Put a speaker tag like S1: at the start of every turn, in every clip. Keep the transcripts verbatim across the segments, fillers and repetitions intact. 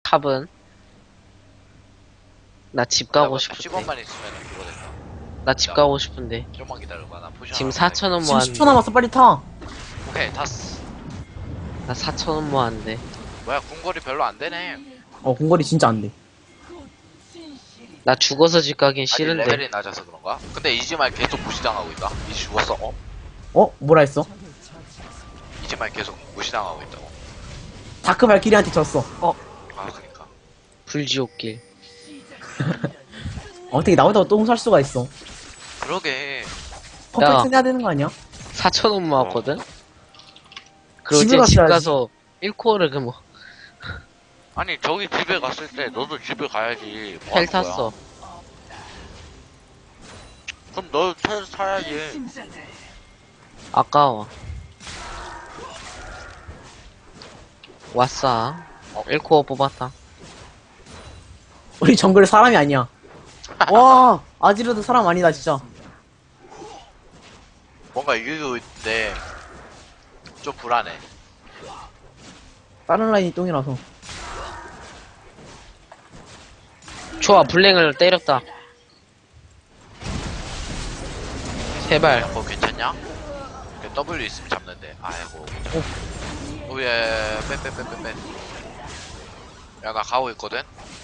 S1: 탑은? 나 집 가고
S2: 십
S1: 싶은데.
S2: 원만 있으면 그거 된다.
S1: 나 집 가고 싶은데.
S2: 좀만 기다려봐. 나 포션.
S1: 지금
S2: 하나
S1: 사천 원
S3: 지금 십 초
S1: 모았는데.
S3: 남았어. 빨리 타.
S2: 살게. 오케이, 탔어.
S1: 나 사천 원 모았는데.
S2: 뭐야, 궁거리 별로 안 되네.
S3: 어, 공거리 진짜 안 돼.
S1: 나 죽어서 집 가긴
S2: 아직
S1: 싫은데.
S2: 레벨이 낮아서 그런가? 근데 이지말 계속 무시당하고 있다. 이지 죽었어? 어?
S3: 어? 뭐라 했어?
S2: 이지말 계속 무시당하고 있다고.
S3: 다크 발키리한테 졌어. 어,
S2: 아, 그니까.
S1: 불지옥길.
S3: 어떻게 나보다 똥 살 수가 있어.
S2: 그러게.
S3: 퍼펙트 해야 되는 거 아니야?
S1: 사천 원 모았거든? 그리고
S3: 집에
S1: 이제 집
S3: 갔어야지.
S1: 가서 일 코어를 그 뭐,
S2: 아니, 저기 집에 갔을 때 너도 집에 가야지. 뭐
S1: 텔
S2: 하는 거야?
S1: 탔어.
S2: 그럼 너 텔 타야지.
S1: 아까워. 왔어.
S2: 어?
S1: 일 코어 뽑았다.
S3: 우리 정글 사람이 아니야. 와, 아지르도 사람 아니다, 진짜.
S2: 뭔가 이기고 있는데 좀 불안해.
S3: 다른 라인이 똥이라서.
S1: 좋아, 블랭을 때렸다. 제발.
S2: 그거 괜찮냐? 그 W 있으면 잡는데. 아이고 괜찮아. 오예 빼빼빼빼빼. 야 나 가고 있거든.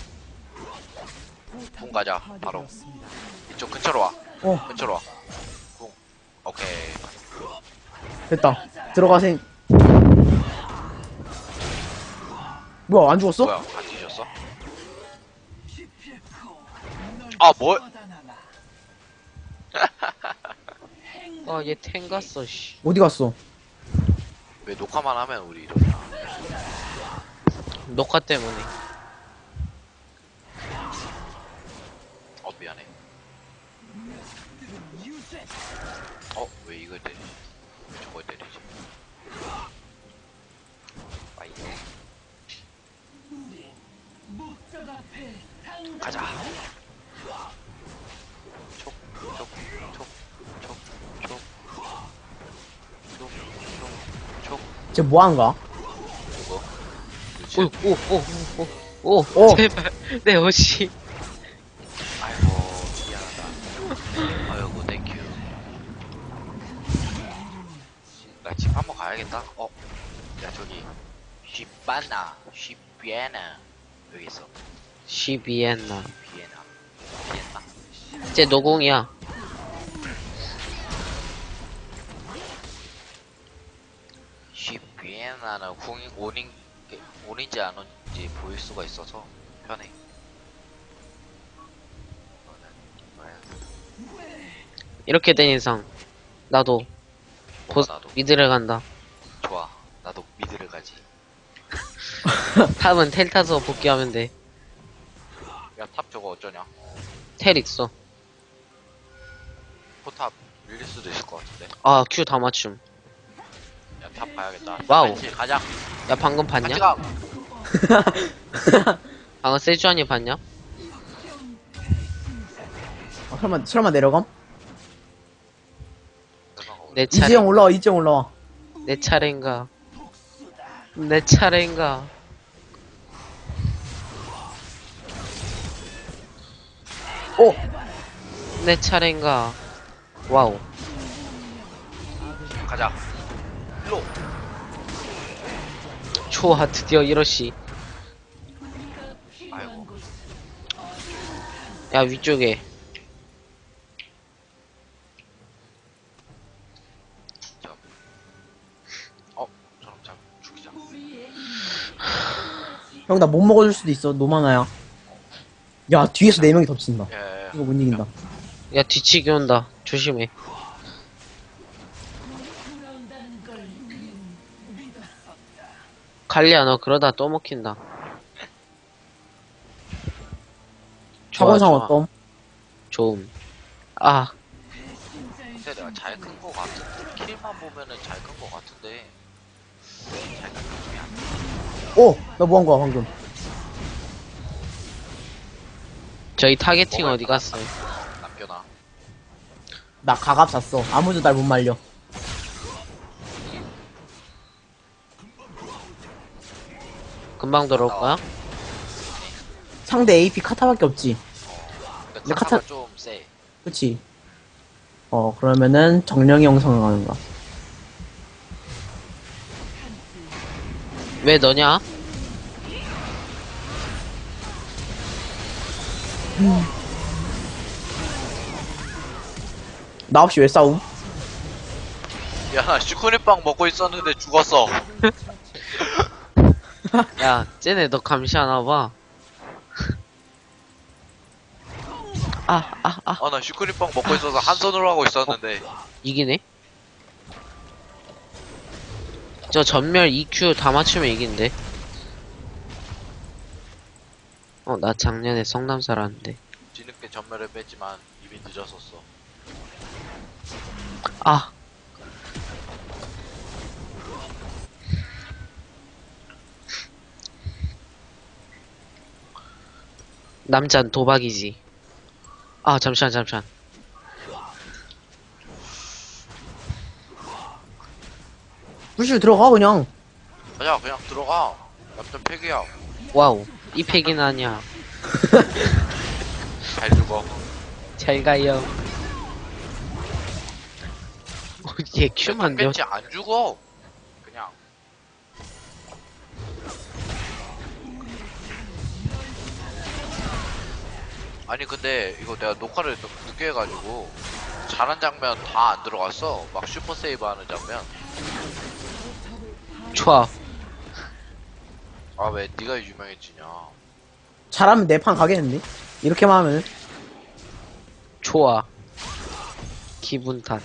S2: 궁 가자 바로. 이쪽 근처로 와.
S3: 어,
S2: 근처로 와. 궁. 오케이.
S3: 됐다. 들어가생. 뭐야, 안 죽었어?
S2: 뭐야 안 뒤졌어? 아 뭘?
S1: 아, 얘 탱 갔어, 씨.
S3: 어디 갔어?
S2: 왜 녹화만 하면 우리 이러냐?
S1: 녹화 때문에.
S2: 어 미안해. 어 왜 이걸 때리지? 왜 저걸 때리지? 아이. 가자. 촉, 촉, 촉, 촉, 촉, 촉, 촉, 촉.
S3: 쟤 뭐한가?
S2: 이거.
S1: 오,
S2: 그렇지.
S1: 오, 오, 오, 오,
S3: 오.
S1: 제발. 내 옷이.
S2: 아이고 미안하다. 아이고 땡큐. 나 집 한번 가야겠다. 어, 야 저기 쉬바나, 쉬비에나 여기 있어.
S1: 시비엔나.
S2: 비에나, 비엔나.
S1: 쟤 노공이야.
S2: 쉬비에나는 궁이 온인 온인지 안 온인지 보일 수가 있어서 편해.
S1: 이렇게 된 이상, 나도, 보,
S2: 뭐가 나도
S1: 미드를 간다.
S2: 좋아. 나도 미드를 가지.
S1: 탑은 텔 타서 복귀하면 돼.
S2: 야 탑 저거 어쩌냐?
S1: 텔 있어.
S2: 포탑 밀릴 수도 있을 것 같은데.
S1: 아, 큐 다 맞춤.
S2: 야 탑 가야겠다.
S1: 와우.
S2: 같이 가자.
S1: 야, 방금
S2: 같이
S1: 봤냐?
S2: 가.
S1: 방금 세주안이 봤냐?
S3: 아, 설마, 설마 내려감?
S1: 내 차례.
S3: 이지영 올라와, 이지영 올라와.
S1: 내 차례인가? 내 차례인가?
S3: 오!
S1: 내 차례인가? 와우.
S2: 가자. 일로.
S1: 좋아, 드디어 이러시.
S2: 아이고.
S1: 야, 위쪽에.
S2: 자. 어, 저럼 잡 죽이자.
S3: 형, 나 못 먹어줄 수도 있어. 노마나야. 야, 뒤에서 네 명이 덮친다.
S2: 예, 예.
S3: 이거 못 이긴다.
S1: 야, 뒤치기 온다. 조심해. 갈리야, 너 그러다 또 먹힌다. 좋아,
S3: 차원상
S1: 좋아.
S3: 어떤?
S1: 좋음. 아,
S2: 근데 내가 잘 큰 거 같은데 킬만 보면은 잘 큰 거 같은데 잘 큰 느낌이 안 나.
S3: 오! 나 뭐 한 거야, 방금?
S1: 저희 타겟팅
S2: 먹을
S1: 어디
S2: 거
S1: 갔어요?
S2: 남겨놔.
S3: 나 가갑 샀어. 아무도 날 못 말려.
S1: 금방 들어올 거야?
S3: 상대 에이피 카타밖에 없지.
S2: 근데
S3: 근데
S2: 카타가
S3: 카타-
S2: 좀 세.
S3: 그치? 어, 그러면은 정령이 형성을 가는가?
S1: 왜 너냐?
S3: 나 없이 왜 싸움?
S2: 야, 나 슈크림빵 먹고 있었는데 죽었어.
S1: 야, 쟤네 너 감시하나봐. 아, 아, 아,
S2: 아, 나 슈크림빵 먹고 있어서 한 손으로 하고 있었는데.
S1: 이기네? 저 전멸 이큐 다 맞추면 이긴데. 어, 나 작년에 성남 살았는데.
S2: 뒤늦게 전멸을 뺐지만 이미 늦었었어.
S1: 아. 남잔 도박이지. 아, 잠시만, 잠시만.
S3: 무실 들어가, 그냥.
S2: 야, 그냥 들어가. 남편 팩이야.
S1: 와우. 이 팩이는 아니야.
S2: 잘 죽어.
S1: 잘 가요. 어, 얘 큐만 몇,
S2: 뺐지 안 죽어. 그냥. 아니 근데 이거 내가 녹화를 좀 늦게 해가지고 잘한 장면 다 안 들어갔어. 막 슈퍼 세이브 하는 장면.
S1: 좋아.
S2: 아 왜 네가 유명해지냐.
S3: 잘하면 내 판 가겠는데? 이렇게만 하면은.
S1: 좋아. 기분 탓.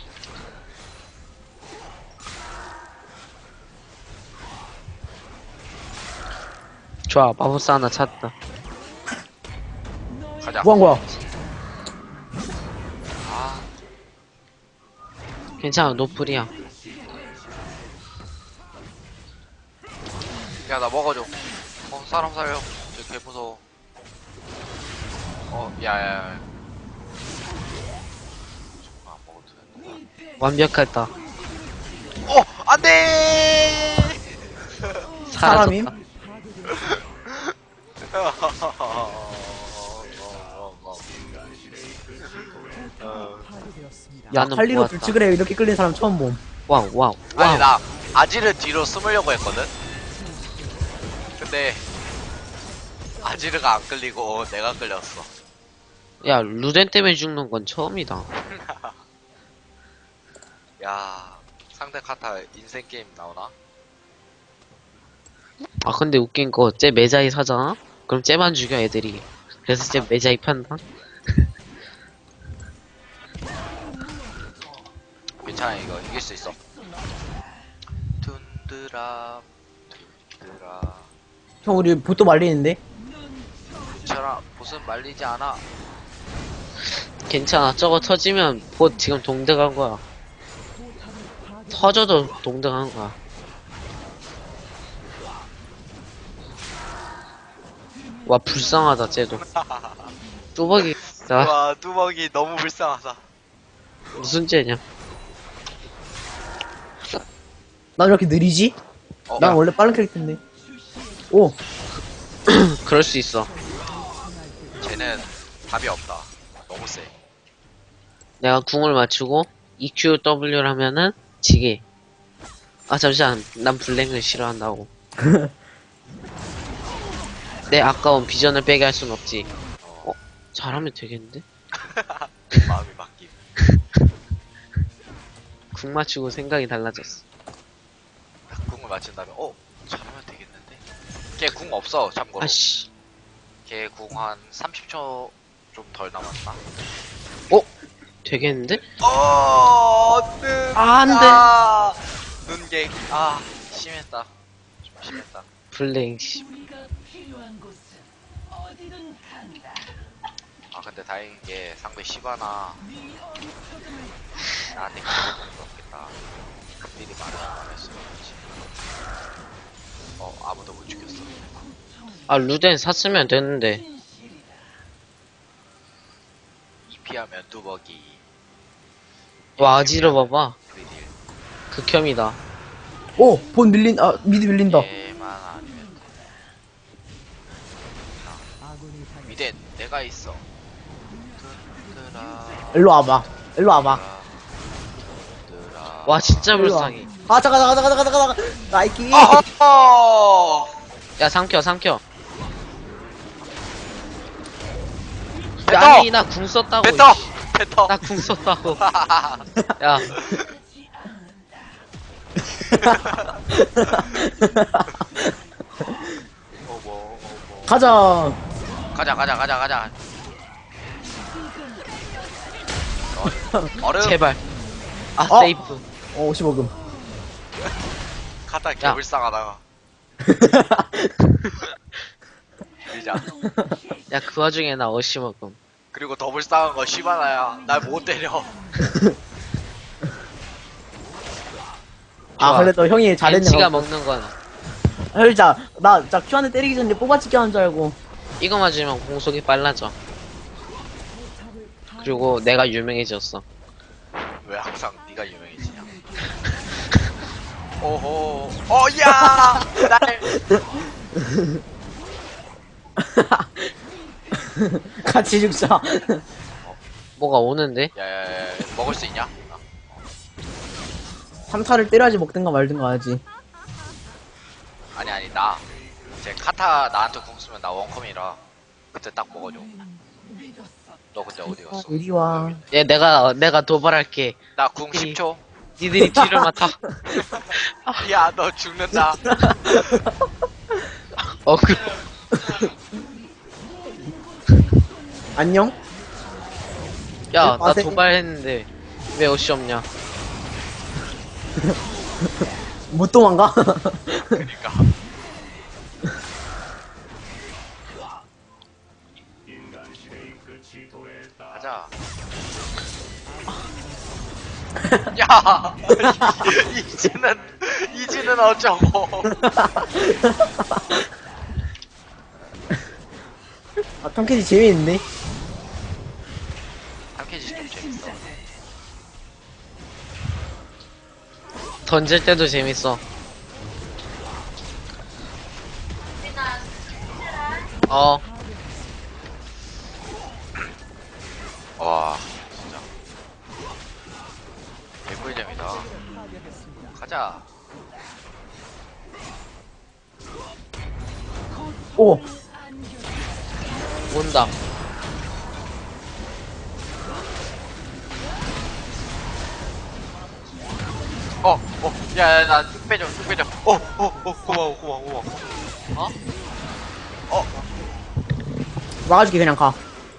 S1: 좋아, 마법사 하나 찾다.
S2: 가자.
S3: 뭐 한 거야?
S2: 아,
S1: 괜찮아, 노플이야.
S2: 야 나 먹어줘. 어 사람 살려. 저 개 무서워. 어 야야야. 정말 안 먹어도 되는데.
S1: 완벽하다.
S2: 어 안돼.
S3: 사람임?
S1: 사라졌다.
S3: 야,
S1: 나는
S3: 칼리로
S1: 모았다.
S3: 불치그래 이렇게 끌린 사람 처음 봄.
S1: 와우, 와우,
S2: 아니
S1: 와우.
S2: 나 아지를 뒤로 숨으려고 했거든. 근데 아지르가 안 끌리고 내가 끌렸어.
S1: 야, 루덴 때문에 죽는 건 처음이다.
S2: 야 상대 카타 인생 게임 나오나?
S1: 아, 근데 웃긴 거, 쟤 매자이 사잖아? 그럼 쟤만 죽여, 애들이. 그래서 쟤 매자이 판다?
S2: 괜찮아 이거 이길 수 있어. 툰드라 툰드라.
S3: 형, 우리 보또 말리는데?
S2: 괜찮아 보스는 말리지 않아.
S1: 괜찮아, 저거 터지면 봇 지금 동등한 거야. 터져도 동등한 거야. 와, 불쌍하다, 쟤도. 뚜벅이, 나,
S2: 와 뚜벅이 너무 불쌍하다.
S1: 무슨 쟤냐?
S3: 난 왜 이렇게 느리지?
S2: 어,
S3: 난
S2: 야,
S3: 원래 빠른 캐릭터인데. 오,
S1: 그럴 수 있어.
S2: 쟤는 답이 없다. 너무 세.
S1: 내가 궁을 맞추고 이큐 더블유를 하면은 지게. 아, 잠시만. 난 블랙을 싫어한다고. 내 아까운 비전을 빼게 할 순 없지. 어? 잘하면 되겠는데?
S2: 마음이 바뀜.
S1: 궁 맞추고 생각이 달라졌어.
S2: 딱 궁을 맞춘 다음에 어 잘하면 되겠는데. 걔 궁 없어 참고로.
S1: 아씨.
S2: 걔 궁 한 삼십 초 좀 덜 남았나?
S1: 어? 되겠는데?
S2: 어, 눈.
S1: 아, 안 돼.
S2: 아, 눈객. 아, 심했다. 좀 심했다.
S1: 블랙, 씨.
S2: 아, 근데 다행인 게 상대 시바나 나한테 기분이 없겠다. 극딜이 많아 안 했어. 그렇지. 어, 아무도 못 죽였어.
S1: 아, 루덴 샀으면 됐는데.
S2: 이피하면 뚜벅이.
S1: 와, 아지러 봐봐.
S2: 프리딜.
S1: 극혐이다.
S3: 오, 본 밀린, 아, 미드 밀린다.
S2: 얘만 아니면 돼. 미대 내가 있어.
S3: 일로 와봐. 일로 와봐.
S1: 와 진짜
S3: 일로 와.
S1: 불쌍해.
S3: 아, 잠깐, 잠깐, 잠깐, 잠깐, 잠깐, 잠깐. 나이키.
S2: 어허!
S1: 야 삼켜 삼켜.
S2: 뱉어!
S1: 아니 나 궁 썼다고.
S2: 뱉어! 뱉어!
S1: 나 궁 썼다고. 야
S2: 어머, 어머.
S3: 가자.
S2: 가자, 가자, 가자, 가자. 어, 얼음.
S1: 제발. 아
S3: 어?
S1: 세이프.
S3: 어, 오십오 금.
S2: 카타 개불쌍하다. 밀자.
S1: 야 그 와중에 나 어시 먹음.
S2: 그리고 더 불쌍한 거 시바나야. 날 못 때려.
S3: 아,
S1: 좋아.
S3: 그래도 형이
S1: 벤치가
S3: 잘했네.
S1: 먹는 건
S3: 혈자, 나, 나 큐한테 때리기 전에 뽑아치기 하는 줄 알고.
S1: 이거 맞으면 공속이 빨라져. 그리고 내가 유명해졌어.
S2: 왜 항상 네가 유명해지냐? 오호. 어, 야! 날.
S3: 같이 죽자.
S1: 뭐가 오는데?
S2: 야야야, 먹을 수 있냐?
S3: 삼 타를 때려야지 먹든가 말든가 하지.
S2: 아니 아니 나. 제 카타 나한테 궁 쓰면 나 원컴이라 그때 딱 먹어줘. 너 그때 어디 갔어?
S3: 이리 와.
S1: 얘 내가 내가 도발할게.
S2: 나 궁 십 초.
S1: 니들이 뒤를 맡아.
S2: 야, 너 죽는다.
S1: 어 그.
S3: 안녕?
S1: 야, 나
S3: 마세-
S1: 도발했는데 왜 옷이 없냐?
S3: 못 도망가?
S2: 그니까. 가자. 야, 이지는 이지는 어쩌고?
S3: 아, 탐캐지 재미있네.
S2: 탐캐지 좀 재밌어.
S1: 던질 때도 재밌어. 어,
S2: 와, 진짜. 개꿀잼이다. 가자.
S3: 오,
S1: 온다.
S2: 어, 어, 야, 야, 나쭉 빼줘, 쭉 빼줘. 어, 어, 어, 고마워, 고마워, 고마워.
S1: 어?
S2: 어,
S3: 막아줄게, 그냥 가.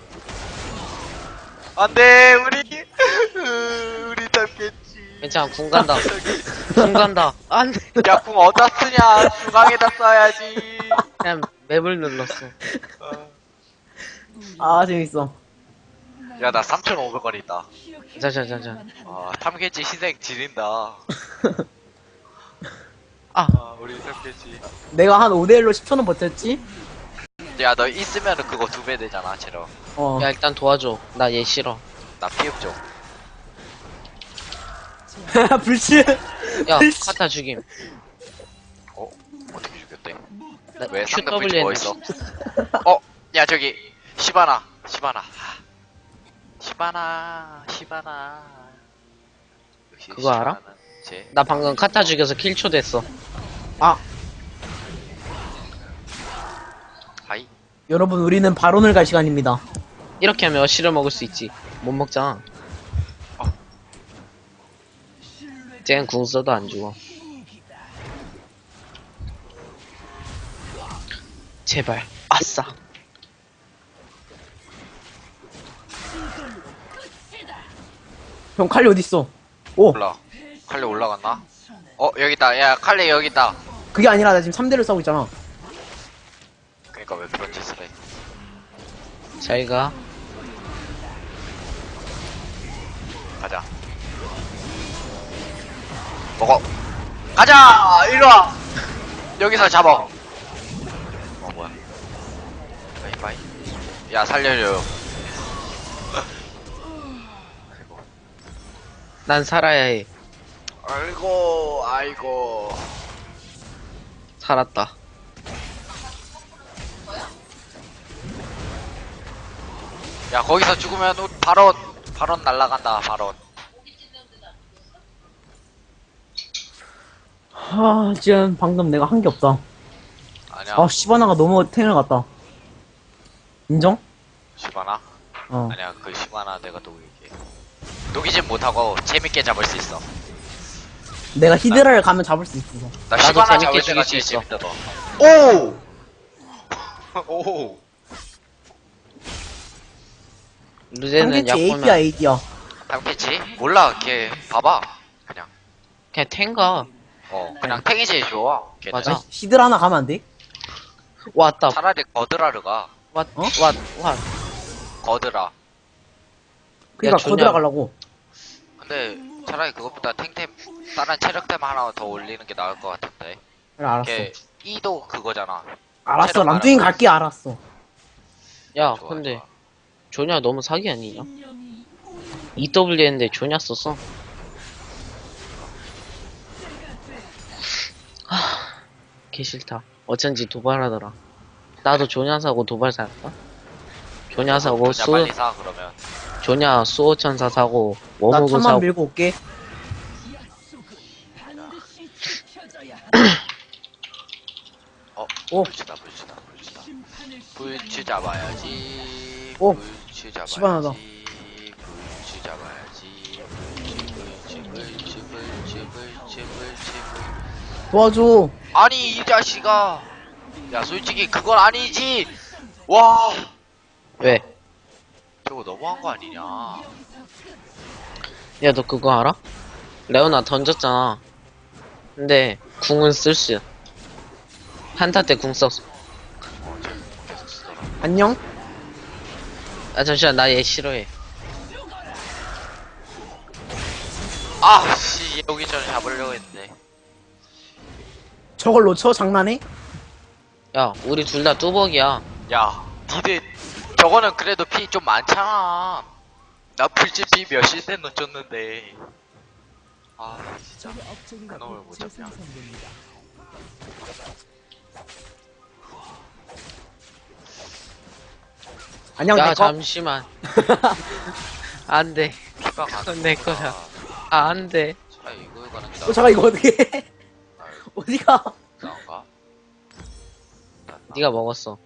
S2: 안 돼, 우리, 으, 우리 탐캐지.
S1: 괜찮아, 궁 간다. 궁 간다. 안 돼.
S2: 야, 궁 어디다 쓰냐? 중앙에다 써야지.
S1: 그냥 맵을 눌렀어.
S2: 어.
S3: 아, 재밌어.
S2: 야, 나 삼천오백 원 있다.
S1: 자자자자.
S2: 아, 탐캐지 희생 지린다.
S1: 아,
S2: 아, 우리 탐캐지.
S3: 내가 한 오 대 일로 십 초는 버텼지?
S2: 야, 너 있으면 그거 두 배 되잖아, 체력.
S3: 어.
S1: 야 일단 도와줘. 나 얘 싫어.
S2: 나 피흡 좀.
S3: 불치.
S1: 야,
S3: 불치.
S1: 카타 죽임.
S2: 어? 어떻게 죽였대?
S1: 나
S2: 왜 상대
S1: 큐
S2: 불치
S1: 더블유
S2: 뭐 있어? 어? 야, 저기, 시바나, 시바나. 시바나, 시바나. 역시
S1: 그거 알아?
S2: 시바나는 제.
S1: 나 방금 카타 죽여서 킬초 됐어.
S3: 아,
S2: 하이.
S3: 여러분, 우리는 발언을 갈 시간입니다.
S1: 이렇게 하면 어시를 먹을 수 있지. 못 먹잖아.
S2: 어.
S1: 쟤는 궁 써도 안 죽어. 제발. 아싸.
S3: 형, 칼리 어딨어? 오,
S2: 올라. 칼리 올라갔나? 어, 여기 있다. 야, 칼리 여기 있다.
S3: 그게 아니라 나 지금 삼 대를 싸우고 있잖아.
S2: 그니까 왜 그런 짓을 해?
S1: 잘 가.
S2: 가자. 먹어. 가자! 일로와! 여기서 잡아. 어, 뭐야. 바이바이. 야, 살려줘요. 아이고.
S1: 난 살아야 해.
S2: 아이고, 아이고.
S1: 살았다.
S2: 야 거기서 죽으면 우리 바로 바로 날라간다 바로.
S3: 하, 지금 방금 내가 한 게 없다.
S2: 아니야.
S3: 아, 시바나가 너무 탱을 갔다. 인정?
S2: 시바나?
S3: 어.
S2: 아니야 그 시바나 내가 녹일게. 녹이진 못하고 재밌게 잡을 수 있어.
S3: 내가 히드라를 가면 잡을 수 있어.
S2: 나
S1: 나도
S2: 시바나
S1: 재밌게
S2: 잡을 때가
S1: 죽일 수
S2: 제일
S1: 있어.
S2: 재밌다 너. 오! 오!
S1: 루제는
S3: 상대치
S1: 약보면
S3: 에이피야, 에이디야.
S2: 당패치? 몰라 걔 봐봐 그냥.
S1: 그냥 탱가.
S2: 어 그냥 탱이 제일 좋아 걔는.
S1: 맞아.
S3: 아, 히드라 하나 가면 안 돼?
S1: 왔다.
S2: 차라리 거드라르가.
S1: 왓,
S3: 어?
S1: 왓, 왓.
S2: 거드라.
S3: 그니까
S1: 존야.
S3: 거들어 가려고.
S2: 근데 차라리 그것보다 탱템 다른 체력템 하나 더 올리는 게 나을 것 같은데.
S3: 그래, 알았어.
S2: 걔 E도 그거잖아.
S3: 알았어,
S2: 체력
S3: 람둥이
S2: 말하는
S3: 갈게, 알았어.
S1: 야,
S2: 좋아,
S1: 근데
S2: 좋아.
S1: 조냐 너무 사기 아니냐? 이더블유 했는데 조냐 썼어. 하, 개 싫다. 어쩐지 도발하더라. 나도 조냐 사고 도발 살까? 조냐 사고
S2: 그냥
S1: 수
S2: 빨리 사 그러면.
S1: 조냐 수호천사 사고
S3: 나
S1: 워무그
S3: 천만
S1: 사고.
S3: 밀고 올게.
S2: 어,
S3: 오.
S2: 불치다, 불치다, 불치다. 불치 잡아야지.
S3: 오.
S2: 불치 잡아야지.
S3: 시원하다.
S2: 불치 잡아야지. 불치, 불치, 불치, 불치, 불치, 불치.
S3: 도와줘.
S2: 아니 이 자식아. 야 솔직히 그건 아니지. 와.
S1: 왜?
S2: 저거 너무한 거 아니냐.
S1: 야, 너 그거 알아? 레오나 던졌잖아. 근데 궁은 쓸 수. 한타 때 궁 썼어.
S2: 어, 쟤 계속 쓰더라.
S3: 안녕?
S1: 아, 잠시만, 나 얘 싫어해.
S2: 아, 씨, 여기 전에 잡으려고 했는데.
S3: 저걸 놓쳐? 장난해?
S1: 야, 우리 둘 다 뚜벅이야.
S2: 야, 니들 저거는 그래도 피 좀 많잖아. 나 불치 피 몇십 대 놓쳤는데. 아, 진짜 그놈을 못 잡냐.
S3: 안녕,
S1: 야,
S3: 내꺼?
S1: 잠시만. 안 돼.
S2: 피가 가는
S1: 그건 내 거야. 아, 안 돼.
S2: 아, 이거 가는 게
S3: 어, 잠깐, 이거 어떻게 해? 어디가?
S2: 나은가?
S1: 네가 먹었어.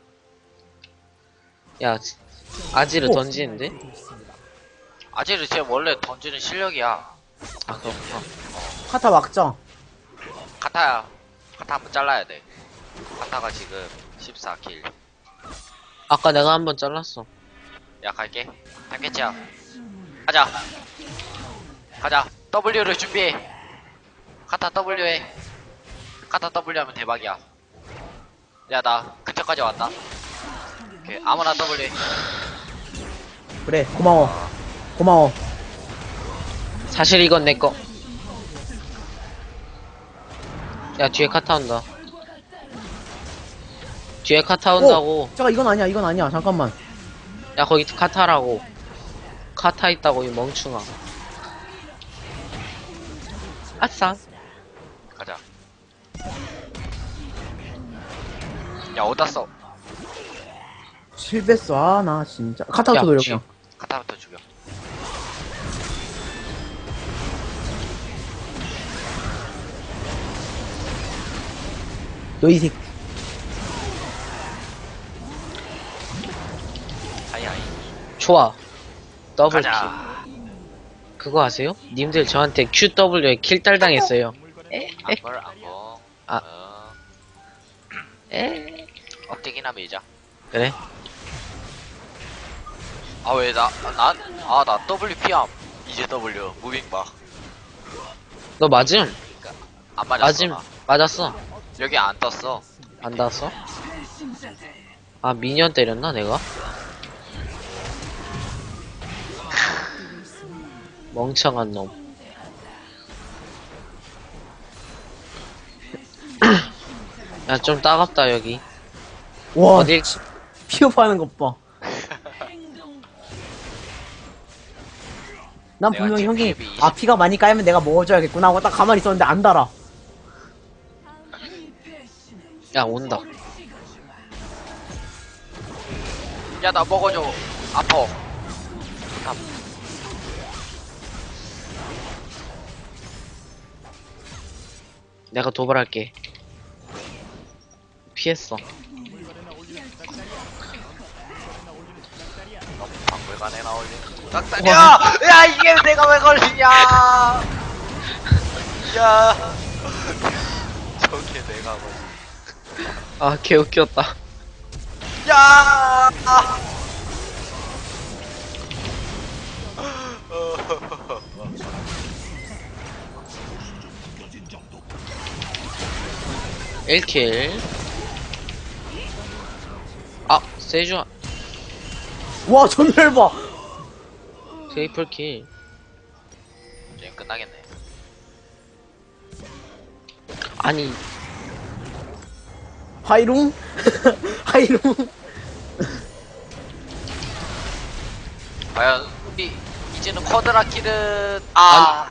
S1: 야, 아지를
S3: 오.
S1: 던지는데?
S2: 아지르 쟤 원래 던지는 실력이야.
S1: 아, 그렇구나.
S3: 카타 막자.
S2: 카타야. 카타 한번 잘라야 돼. 카타가 지금 십사 킬.
S1: 아까 내가 한번 잘랐어.
S2: 야, 갈게. 단계치야. 가자. 가자. W를 준비해. 카타 W 해. 카타 W 하면 대박이야. 야, 나 근처까지 왔다. 오케이. 아무나 W 해.
S3: 그래, 고마워. 고마워.
S1: 사실 이건 내 거. 야, 뒤에 카타 온다. 뒤에 카타 온다고.
S3: 오, 잠깐, 이건 아니야, 이건 아니야. 잠깐만.
S1: 야, 거기 카타라고. 카타 있다고, 이 멍충아. 아싸.
S2: 가자. 야, 어디다 써?
S3: 실베스, 아, 나 진짜. 카타부터
S1: 야,
S3: 노려,
S1: 쥐.
S3: 그냥.
S2: 카타부터 죽여.
S3: 너 이 새끼.
S2: 하이 하이.
S1: 좋아. 더블 킬.
S2: 가자.
S1: 그거 아세요? 님들 저한테 큐더블유에 킬딸 당했어요.
S2: 안걸 안거.
S1: 아.
S2: 어,
S1: 에?
S2: 억제기나 밀자.
S1: 그래?
S2: 아, 왜 나, 난, 아, 나 더블유피암. 이제 W. 무빙 봐.
S1: 너 맞음?
S2: 안 맞았어.
S1: 맞음.
S2: 나.
S1: 맞았어.
S2: 여기 안 떴어.
S1: 안 닿았어? 아, 미니언 때렸나, 내가? 멍청한 놈. 야, 좀 따갑다, 여기.
S3: 와,
S1: 어딜,
S3: 피업하는 것 봐. 난
S2: 내가
S3: 분명히
S2: 지금
S3: 형이,
S2: 피업이
S3: 아, 피가 많이 까이면 내가 먹어줘야겠구나 하고 딱 가만히 있었는데 안 달아.
S1: 야, 온다.
S2: 야, 나 먹어줘. 아파. 삼.
S1: 내가 도발할게. 피했어.
S2: 너무 박물관에 나올리는 짝다리야! 야, 이게 내가 왜 걸리냐! 야, 저게 내가 걸리.
S1: 아, 개웃겼다.
S2: 야!
S1: 일 킬. 아, 세주,
S3: 와, 전멸 봐!
S1: 트리플 킬.
S2: 게임 끝나겠네.
S1: 아니,
S3: 하이룽? 하이룽?
S2: 과연 우리 이제는 쿼드라킬은 아.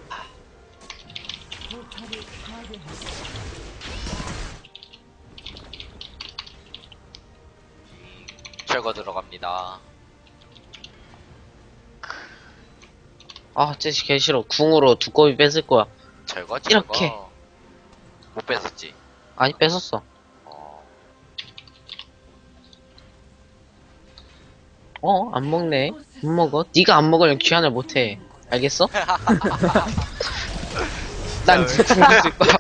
S2: 철거 들어갑니다.
S1: 아, 쟤 개 싫어. 궁으로 두꺼비 뺏을 거야.
S2: 철거 철거.
S1: 이렇게.
S2: 못 뺏었지.
S1: 아니, 뺏었어.
S2: 어.
S1: 어, 안 먹네. 못 먹어. 네가 안 먹으면 귀환을 못 해. 알겠어? 난
S2: 왜?
S1: 지금 있을 거야.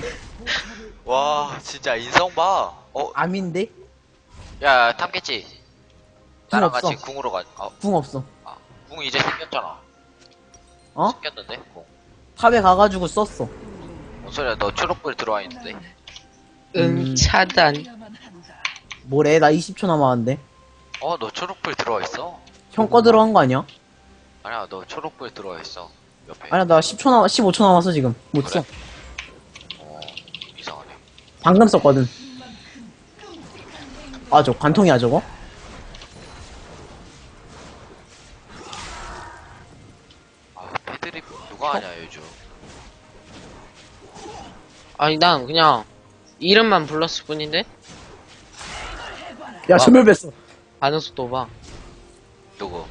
S2: 와, 진짜 인성 봐. 어,
S3: 암인데?
S2: 야, 탐겠지? 나랑
S3: 없어.
S2: 같이 궁으로 가. 어,
S3: 궁 없어.
S2: 아, 궁 이제 생겼잖아.
S3: 어?
S2: 생겼는데? 궁.
S3: 탑에 가가지고 썼어.
S2: 뭔 소리야, 너 초록불 들어와 있는데?
S1: 응,
S3: 음.
S1: 차단.
S3: 뭐래? 나 이십 초 남았는데.
S2: 어, 너 초록불 들어와 있어.
S3: 형 거 들어간 거 아니야?
S2: 아니야, 너 초록불 들어와 있어. 옆에.
S3: 아니야, 나 십 초 남, 십오 초 남았어, 지금. 못
S2: 그래?
S3: 써.
S2: 어, 이상하네.
S3: 방금 썼거든. 아, 저 관통이야, 저거?
S2: 아, 패드립 누가 하냐, 요즘.
S1: 아니, 난 그냥 이름만 불렀을 뿐인데?
S3: 야, 전멸 뺐어.
S1: 반응 속도 봐.
S2: 누구?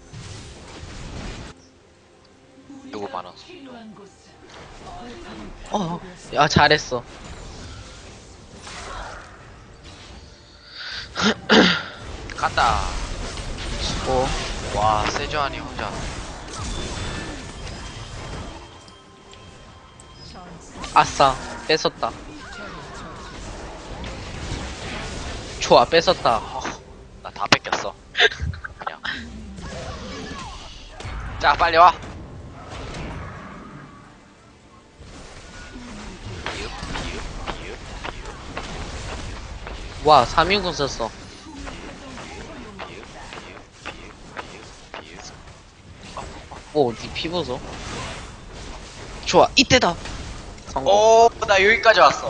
S2: 누구 많았어?
S1: 어, 야, 잘했어.
S2: 간다.
S1: 어,
S2: 와, 세주하니 혼자.
S1: 아싸, 뺏었다. 좋아, 뺏었다.
S2: 어, 나 다 뺏겼어. 그냥. 자, 빨리 와. 비읍, 비읍, 비읍,
S1: 와, 삼 인공 썼어.
S2: 비읍, 비읍, 비읍, 비읍, 비읍.
S1: 오, 니 피보소. 좋아, 이때다. 성공.
S2: 오, 나 여기까지 왔어.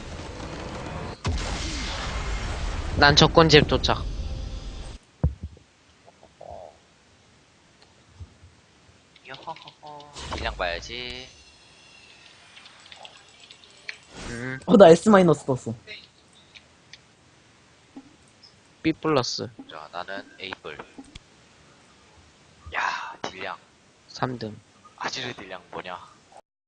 S1: 난 적군집 도착.
S2: 요호호호. 딜량 봐야지.
S1: 음,
S3: 어, 나 S 마이너스 떴어.
S1: B 플러스.
S2: 자, 나는 에이플. 야, 딜량.
S1: 삼 등.
S2: 아지르 딜량 뭐냐?